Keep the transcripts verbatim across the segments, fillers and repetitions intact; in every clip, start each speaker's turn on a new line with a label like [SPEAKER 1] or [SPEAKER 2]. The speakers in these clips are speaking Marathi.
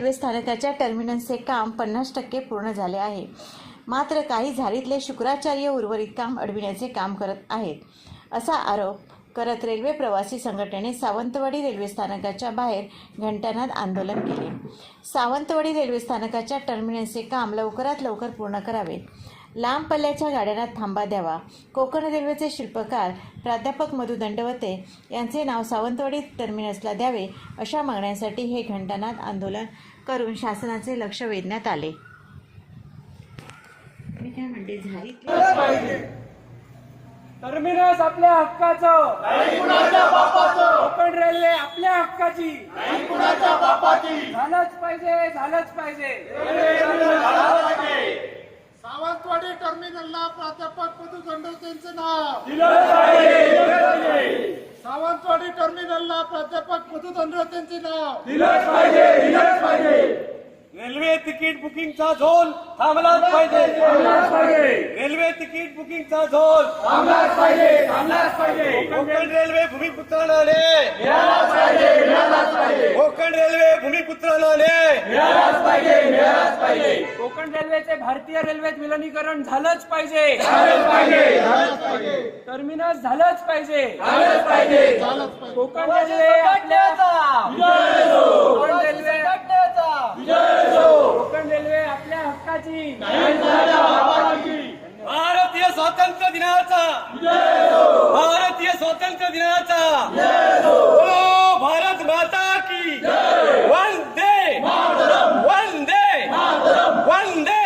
[SPEAKER 1] रेल्वे स्थानकाच्या टर्मिनसचे काम पन्नास टक्के पूर्ण झाले आहे. मात्र काही झारीतले शुक्राचार्य उर्वरित काम अडविण्याचे काम करत आहेत, असा आरोप करत रेल्वे प्रवासी संघटनेने सावंतवाडी रेल्वे स्थानकाच्या बाहेर घंटानाद आंदोलन केले. सावंतवाडी रेल्वे स्थानकाच्या टर्मिनसचे काम लवकरात लवकर पूर्ण करावे, लांब पल्ल्याच्या गाड्यांना थांबा द्यावा, कोकण रेल्वेचे शिल्पकार प्राध्यापक मधु दंडवते यांचे नाव सावंतवाडी टर्मिनसला द्यावे, अशा मागण्यांसाठी हे घंटानाद आंदोलन करून शासनाचे लक्ष वेधण्यात आले. मी काय म्हणते, झाली
[SPEAKER 2] टर्मिनस आपल्या हक्काचं,
[SPEAKER 3] नाही कुणाच्या बापाचं.
[SPEAKER 2] कोकण रेल्वे आपल्या हक्काची,
[SPEAKER 3] नाही कुणाच्या बापाची.
[SPEAKER 2] झालंच पाहिजे, झालंच पाहिजे.
[SPEAKER 3] सावंतवाडी टर्मिनलला प्राध्यापक मधु दंडवतेंचे नाव
[SPEAKER 2] दिलंच पाहिजे, दिलंच पाहिजे.
[SPEAKER 3] सावंतवाडी टर्मिनलला प्राध्यापक मधु दंडवतेंचे नाव
[SPEAKER 2] दिलंच पाहिजे, दिलंच पाहिजे. रेल्वे तिकीट बुकिंगचा झोन थांबलाच पाहिजे, थांबलाच पाहिजे. रेल्वे तिकीट बुकिंगचा झोन थांबलाच पाहिजे, थांबलाच पाहिजे. कोकण रेल्वे भूमिपुत्रांना मिळालाच पाहिजे, मिळालाच पाहिजे. कोकण रेल्वे भूमिपुत्रांना मिळालाच पाहिजे, मिळालाच पाहिजे. कोकण रेल्वेचे भारतीय रेल्वेत विलिनीकरण झालंच पाहिजे, झालंच पाहिजे, झालंच पाहिजे. टर्मिनस झालंच पाहिजे, झालंच पाहिजे, झालंच पाहिजे. कोकण रेल्वे आपल्याचा विजय असो, कोकण रेल्वे कोकण रेल्वे आपल्या हक्काची, भारतीय स्वातंत्र्य दिनाचा, भारतीय स्वातंत्र्य दिनाचा, ओ भारत माता की वंदे वंदे वंदे.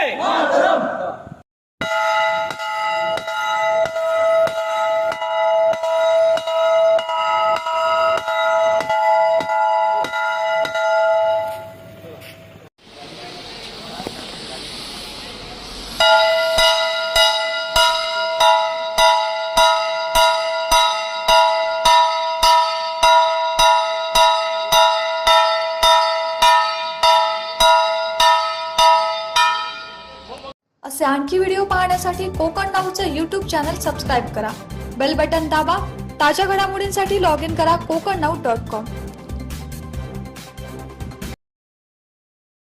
[SPEAKER 4] असे आणखी व्हिडिओ पाहण्यासाठी कोकण नाऊचं यूट्यूब चॅनल सबस्क्राईब करा, बेल बटन दाबा. ताज्या घडामोडींसाठी लॉग इन करा कोकण नाऊ डॉट कॉम.